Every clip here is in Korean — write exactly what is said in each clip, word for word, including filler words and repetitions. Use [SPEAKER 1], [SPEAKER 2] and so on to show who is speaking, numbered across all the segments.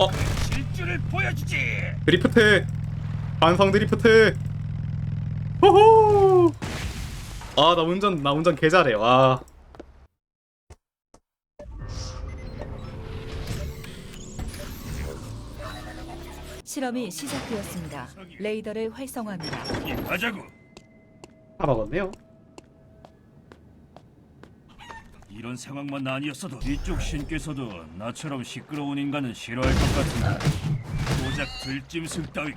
[SPEAKER 1] 어?
[SPEAKER 2] 실주를 보여주지.
[SPEAKER 1] 드리프트! 반성 드리프트! 호호! 아, 나 운전, 나 운전 개 잘해, 와.
[SPEAKER 3] 실험이 시작되었습니다. 레이더를 활성화합니다.
[SPEAKER 2] 예, 가자고.
[SPEAKER 1] 다 먹었네요.
[SPEAKER 2] 이런 상황만 아니었어도 이쪽 신께서도 나처럼 시끄러운 인간은 싫어할 것 같은데 고작 들짐승 따위가.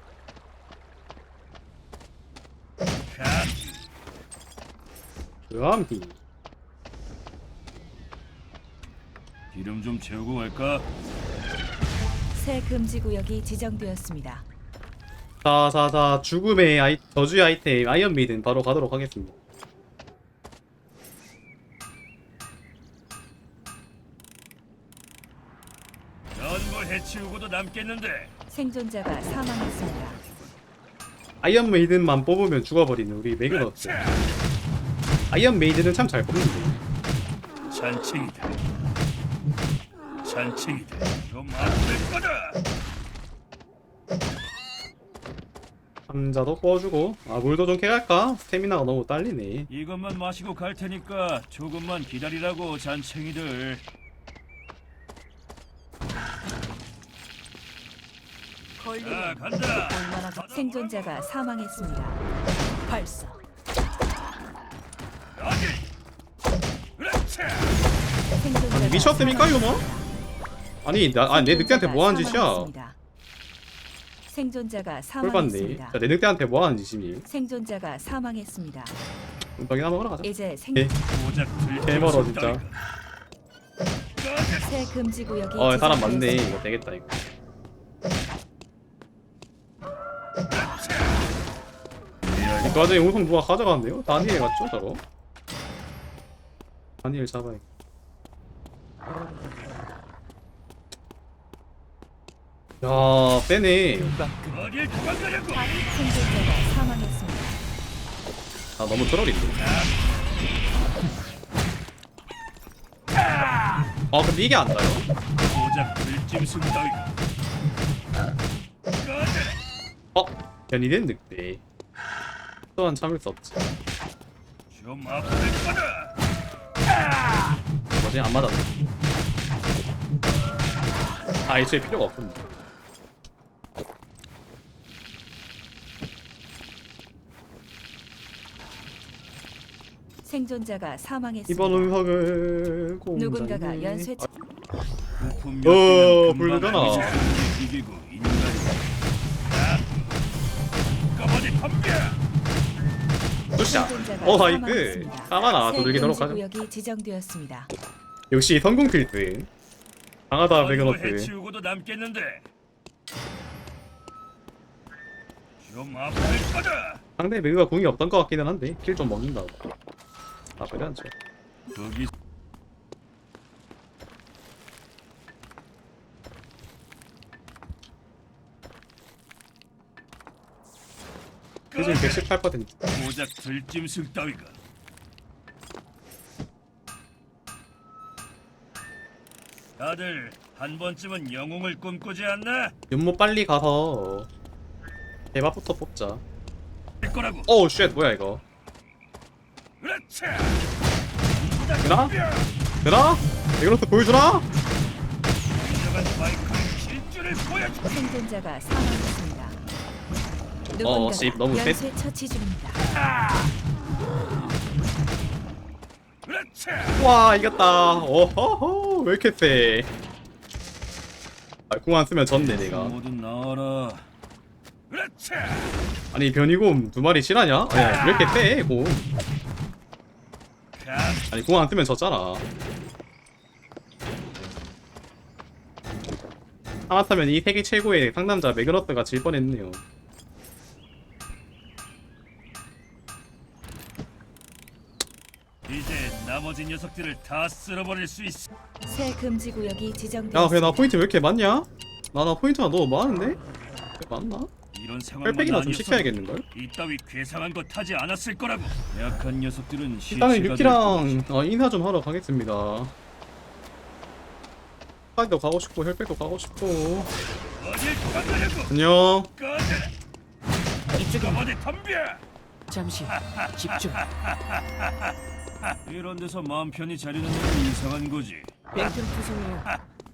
[SPEAKER 2] 가.
[SPEAKER 1] 으암히.
[SPEAKER 2] 기름 좀 채우고 갈까?
[SPEAKER 3] 새 금지 구역이 지정되었습니다.
[SPEAKER 1] 자, 자, 자, 죽음의 아이, 저주의 아이템, 아이언 메이든 바로 가도록 하겠습니다.
[SPEAKER 2] 전부 해치우고도 남겠는데.
[SPEAKER 3] 생존자가 사망했습니다.
[SPEAKER 1] 아이언 메이든만 뽑으면 죽어버리는 우리 매그너스. 아이언 메이든은 참 잘 뽑는데.
[SPEAKER 2] 잔챙이다. 잔챙이다. 좀 아플 거다.
[SPEAKER 1] 감자도 구워주고. 아, 물도 좀 캐갈까? 스태미나가 너무 딸리네.
[SPEAKER 2] 이것만 마시고 갈 테니까 조금만 기다리라고, 잔챙이들. 자, 간다.
[SPEAKER 3] 얼마나 더- 생존자가 사망했습니다. 발사.
[SPEAKER 2] 어디? 그렇지.
[SPEAKER 3] 생존자가
[SPEAKER 1] 미쳤습니까, 이거 뭐? 아니, 나, 아니, 내 늑대한테 뭐 하는 짓이야?
[SPEAKER 3] 사망했습니다. 생존자가
[SPEAKER 1] 꿀받네.
[SPEAKER 3] 사망했습니다.
[SPEAKER 1] 자, 내 늑대한테 뭐 하는 짓이니?
[SPEAKER 3] 생존자가 사망했습니다.
[SPEAKER 1] 떡이나 먹으러 가자.
[SPEAKER 3] 이제 생...
[SPEAKER 1] 예.
[SPEAKER 2] 고작
[SPEAKER 1] 개 멀어,
[SPEAKER 2] 들짐승
[SPEAKER 1] 진짜.
[SPEAKER 2] 따위가.
[SPEAKER 3] 새 금지 구역이
[SPEAKER 1] 어, 사람 많네.
[SPEAKER 3] 지정되었습니다.
[SPEAKER 1] 이거 되겠다, 이거. 이 과정에 우선 누가 가져갔네요? 다니엘 맞죠, 저거? 다니엘 잡아야. 야, 빼네.
[SPEAKER 2] 어딜 도망가려고?
[SPEAKER 3] 생존자가 사망했습니다.
[SPEAKER 1] 아, 너무 트롤인데. 아, 근데 이게 안 나요?
[SPEAKER 2] 고작 들짐승 따위가. 꺼져라.
[SPEAKER 1] 어? 변이된 늑대. 또한 참을 수 없지.
[SPEAKER 2] 좀 아플 거다.
[SPEAKER 1] 뭐지? 안 맞았네. 아, 애초에 필요가 없었네.
[SPEAKER 3] 생존자가 사망했습니다.
[SPEAKER 1] 이번 운석을 공장에...
[SPEAKER 3] 누군가가 연쇄 차...
[SPEAKER 2] 부품
[SPEAKER 1] 어,
[SPEAKER 2] 몇 개는
[SPEAKER 1] 불가나.
[SPEAKER 2] 금방 아니지. 이기고 인간이. 자, 꺼버리 덤벼.
[SPEAKER 1] 굿샷!
[SPEAKER 3] 생존자가
[SPEAKER 1] 어, 나이스!
[SPEAKER 3] 사망했습니다.
[SPEAKER 1] 까마나
[SPEAKER 3] 새
[SPEAKER 1] 두들기도록
[SPEAKER 3] 금지
[SPEAKER 1] 하자.
[SPEAKER 3] 구역이 지정되었습니다.
[SPEAKER 1] 역시 성공 필드. 강하다,
[SPEAKER 2] 전부
[SPEAKER 1] 매그너스.
[SPEAKER 2] 해치우고도 남겠는데. 좀 아플 거다.
[SPEAKER 1] 상대 매그가 궁이 없던 것 같기는 한데 킬 좀 먹는다고. 아, 그래 않죠.
[SPEAKER 2] 거기
[SPEAKER 1] 지금 백십팔 퍼센트.
[SPEAKER 2] 고작 들짐승 따위가. 다들 한 번쯤은 영웅을 꿈꾸지 않나?
[SPEAKER 1] 윤모 빨리 가서 대박부터 뽑자.
[SPEAKER 2] 할 거라고.
[SPEAKER 1] 오우 쉣, 뭐야 이거.
[SPEAKER 2] 그렇지.
[SPEAKER 1] 되나? 되나? 매그너스 보여주나?
[SPEAKER 2] 인정한 마이크의 실주를 보여줘.
[SPEAKER 3] 생존자가 사망했습니다.
[SPEAKER 1] 어,
[SPEAKER 3] 누군가가
[SPEAKER 1] 씨, 너무 세.
[SPEAKER 3] 연쇄 처치 중입니다.
[SPEAKER 2] 그렇지.
[SPEAKER 1] 와, 이겼다. 오호호, 왜 이렇게 세? 아, 궁 안 쓰면 졌네 내가.
[SPEAKER 2] 모두 나와라. 그렇지.
[SPEAKER 1] 아니, 변이곰 두 마리 실하냐? 아니, 왜 이렇게 세, 곰.
[SPEAKER 2] 가.
[SPEAKER 1] 아니, 궁 안 쓰면 졌잖아. 하마터면 이 세계 최고의 상남자 매그너스가 질 뻔했네요.
[SPEAKER 2] 이제 나머지 녀석들을 다 쓸어버릴 수 있어.
[SPEAKER 3] 새 금지 구역이
[SPEAKER 1] 야,
[SPEAKER 3] 지정되었습니다.
[SPEAKER 1] 그래, 나 포인트 왜 이렇게 많냐? 나, 나 포인트가 너무 많은데? 왜 많나?
[SPEAKER 2] 이런 상황만
[SPEAKER 1] 뺄빼기나 좀
[SPEAKER 2] 아니었어도
[SPEAKER 1] 시켜야겠는걸?
[SPEAKER 2] 이따위 괴상한 거 타지 않았을 거라고. 약한 녀석들은
[SPEAKER 1] 일단은
[SPEAKER 2] 시체가 될
[SPEAKER 1] 유키랑 어, 인사 좀 하러 가겠습니다. 카디도 가고 싶고 혈백도 가고 싶고.
[SPEAKER 2] 어딜 도망가려고?
[SPEAKER 1] 안녕.
[SPEAKER 2] 꺼져.
[SPEAKER 4] 이쪽입니다.
[SPEAKER 2] 어디 덤벼.
[SPEAKER 4] 잠시 집중.
[SPEAKER 2] 이런 데서 마음 편히 자리는 건 이상한 거지.
[SPEAKER 4] 벤튼 투성이요.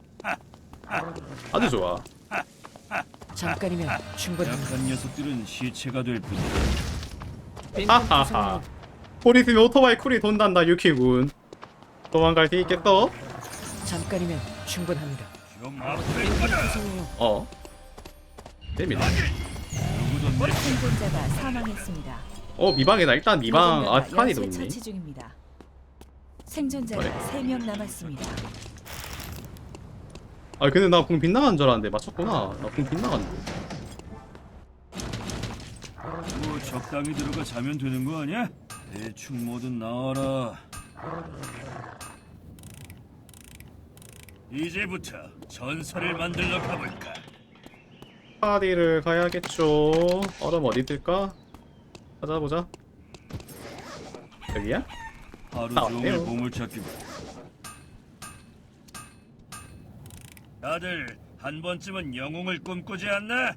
[SPEAKER 1] 아주 좋아.
[SPEAKER 4] 잠깐이면 충분합니다.
[SPEAKER 2] 약한 녀석들은 시체가 될 뿐이야.
[SPEAKER 4] 벤튼
[SPEAKER 1] 하하하.
[SPEAKER 4] 투성이요.
[SPEAKER 1] 폴 있으면 오토바이 쿨이 돈단다 유키군. 도망갈 수 있겠어?
[SPEAKER 4] 잠깐이면 충분합니다.
[SPEAKER 2] 좀 앞을
[SPEAKER 4] 벤튼
[SPEAKER 2] 꺼져.
[SPEAKER 4] 투성이요.
[SPEAKER 1] 어. 재밌네.
[SPEAKER 2] 누구도 내
[SPEAKER 3] 생존자가 사망했습니다.
[SPEAKER 1] 어 미방이다. 일단 미방. 아
[SPEAKER 3] 누군가가
[SPEAKER 1] 스카디도
[SPEAKER 3] 연쇄
[SPEAKER 1] 있네.
[SPEAKER 3] 처치 중입니다. 생존자가
[SPEAKER 1] 그래.
[SPEAKER 3] 세 명 남았습니다.
[SPEAKER 1] 아 근데 나 궁 빗나간 줄 알았는데 맞췄구나. 나 궁 빗나갔는데.
[SPEAKER 2] 뭐 적당히 들어가 자면 되는 거 아니야? 대충 뭐든 나와라. 이제부터 전설을 만들러 가볼까?
[SPEAKER 1] 스카디를 가야겠죠. 얼음 어디 있을까? 찾아보자. 여기야?
[SPEAKER 2] 하루
[SPEAKER 1] 아,
[SPEAKER 2] 종일
[SPEAKER 1] 어때요?
[SPEAKER 2] 보물찾기고. 다들 한 번쯤은 영웅을 꿈꾸지 않나?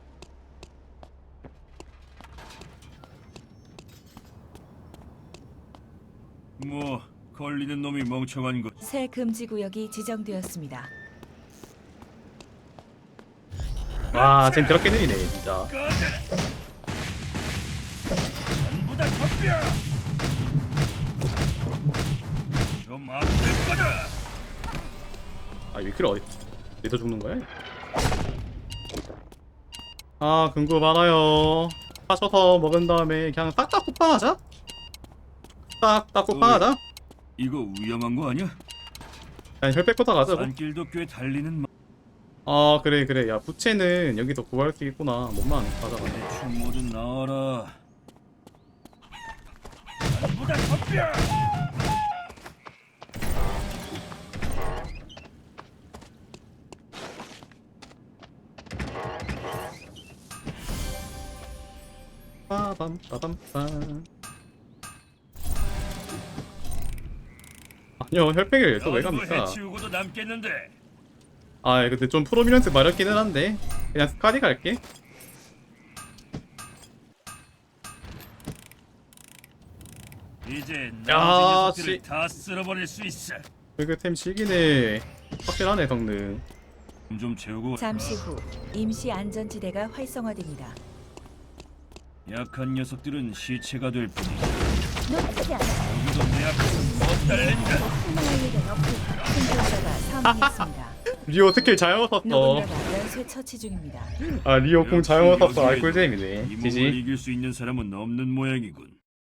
[SPEAKER 2] 뭐 걸리는 놈이 멍청한 것.
[SPEAKER 3] 새 금지 구역이 지정되었습니다.
[SPEAKER 1] 와 쟤 그렇게 느리네 진짜.
[SPEAKER 2] 꺼져라. 전부 다 덤벼. 좀 앞을 꺼져.
[SPEAKER 1] 아 위키를 어디 어디서 죽는 거야? 아 금고 많아요. 파셔서 먹은 다음에 그냥 싹다 쿠팡하자. 싹다 쿠팡하자.
[SPEAKER 2] 이거 위험한 거 아니야?
[SPEAKER 1] 그냥 혈백부터 가자고.
[SPEAKER 2] 산길도 꽤 달리는 마...
[SPEAKER 1] 아 그래 그래. 야 부채는 여기서 구할 수 있구나. 몸만 가져가네.
[SPEAKER 2] 대충 뭐든 나와라. 전부 다 덤벼.
[SPEAKER 1] 빠밤 빠밤 빰. 아니요 혈백을 또 왜 갑니까?
[SPEAKER 2] 해치우고도 남겠는데.
[SPEAKER 1] 아 근데 좀 프로미넌스 마렵기는 한데 그냥 스카디 갈게.
[SPEAKER 2] 이제
[SPEAKER 1] 야,
[SPEAKER 2] 나머지 녀석들을
[SPEAKER 1] 씨.
[SPEAKER 2] 다 쓸어버릴 수 있어.
[SPEAKER 1] 그템 시기네. 확실하네 성능.
[SPEAKER 2] 좀 채우고.
[SPEAKER 3] 잠시 후 임시 안전지대가 활성화됩니다.
[SPEAKER 2] 약한 녀석들은 시체가 될 뿐이야.
[SPEAKER 3] 놓치지 않아.
[SPEAKER 2] 여기도 내 앞에서 못 달린다.
[SPEAKER 3] 흥망할 일은 없고 생존자가 사망했습니다.
[SPEAKER 1] 리오 스킬 잘 먹었어.
[SPEAKER 3] 누군가가 연쇄 처치 중입니다.
[SPEAKER 1] 아 리오 궁 잘 먹었어. 아
[SPEAKER 2] 역시
[SPEAKER 1] 꿀잼이네.
[SPEAKER 2] 이 몸을
[SPEAKER 1] 지지.
[SPEAKER 2] 이길 수 있는 사람은 없는 모양이군.